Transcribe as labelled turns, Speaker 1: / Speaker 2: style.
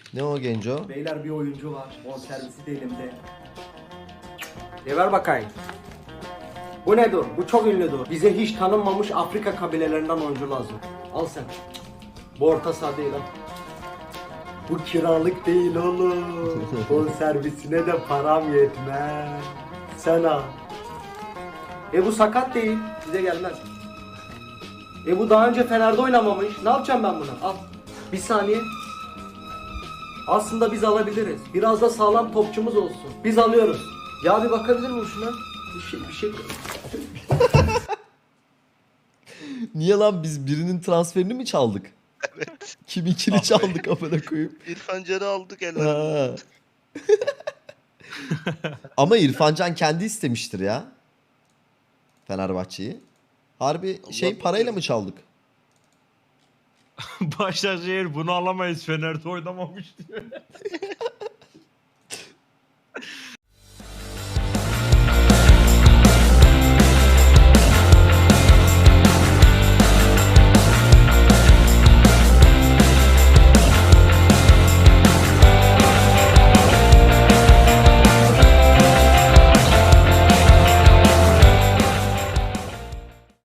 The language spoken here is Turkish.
Speaker 1: Ne o Genco?
Speaker 2: Beyler bir oyuncu var. Bonservisi de elimde. Ver bakayım. Bu nedir? Bu çok ünlüdür. Bize hiç tanınmamış Afrika kabilelerinden oyuncu lazım. Al sen. Bu orta saha değil ha. Bu kiralık değil oğlum. Bonservisine de param yetmez. Sen al. Bu sakat değil. Bize gelmez. Bu daha önce Fener'de oynamamış. Ne yapacağım ben bunu? Al. Bir saniye. Aslında biz alabiliriz. Biraz da sağlam topçumuz olsun. Biz alıyoruz. Ya bir bakabilir miyim şuna? Bir şey.
Speaker 1: Niye lan biz birinin transferini mi çaldık?
Speaker 3: Evet.
Speaker 1: Kiminkini
Speaker 3: Ah be.
Speaker 1: çaldık amına koyayım.
Speaker 3: İrfan Can'ı aldık
Speaker 1: Ha.
Speaker 3: ellerimizden.
Speaker 1: Ama İrfancan kendi istemiştir ya. Fenerbahçe'yi. Harbi
Speaker 3: Allah
Speaker 1: parayla
Speaker 3: bilir.
Speaker 1: mı çaldık?
Speaker 4: Başakşehir bunu alamayız, Fener'de oynamamış diyor.